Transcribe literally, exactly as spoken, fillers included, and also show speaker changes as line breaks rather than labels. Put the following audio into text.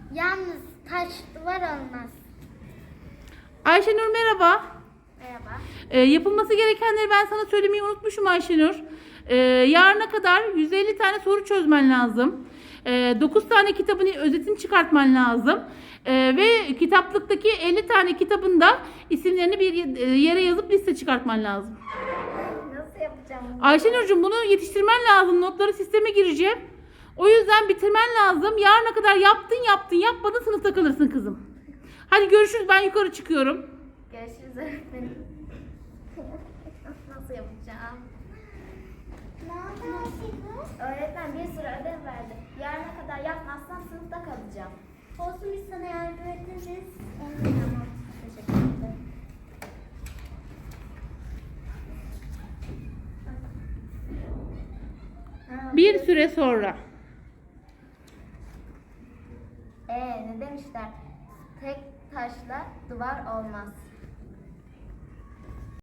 Yalnız taş duvar olmaz.
Ayşenur merhaba.
Merhaba.
Ee, yapılması gerekenleri ben sana söylemeyi unutmuşum Ayşenur. Ee, yarına kadar yüz elli tane soru çözmen lazım. Ee, dokuz tane kitabın özetini çıkartman lazım. Ee, ve kitaplıktaki elli tane kitabın da isimlerini bir yere yazıp liste çıkartman lazım.
Nasıl yapacağım bunu?
Ayşenurcuğum bunu yetiştirmen lazım. Notları sisteme gireceğim. O yüzden bitirmen lazım. Yarına kadar yaptın yaptın yapmadın sınıfta kalırsın kızım. Hadi görüşürüz, ben yukarı çıkıyorum.
Görüşürüz öğretmenim. Nasıl yapacağım? Ne yapıyorsunuz? Öğretmen bir sürü ödev verdi. Yarına kadar yapmazsam sınıfta kalacağım. Olsun, biz sana yardım ederiz. Tamam. Teşekkür ederim. Ha,
Bir süre sonra.
Ee, ne demişler? Tek taşla duvar olmaz.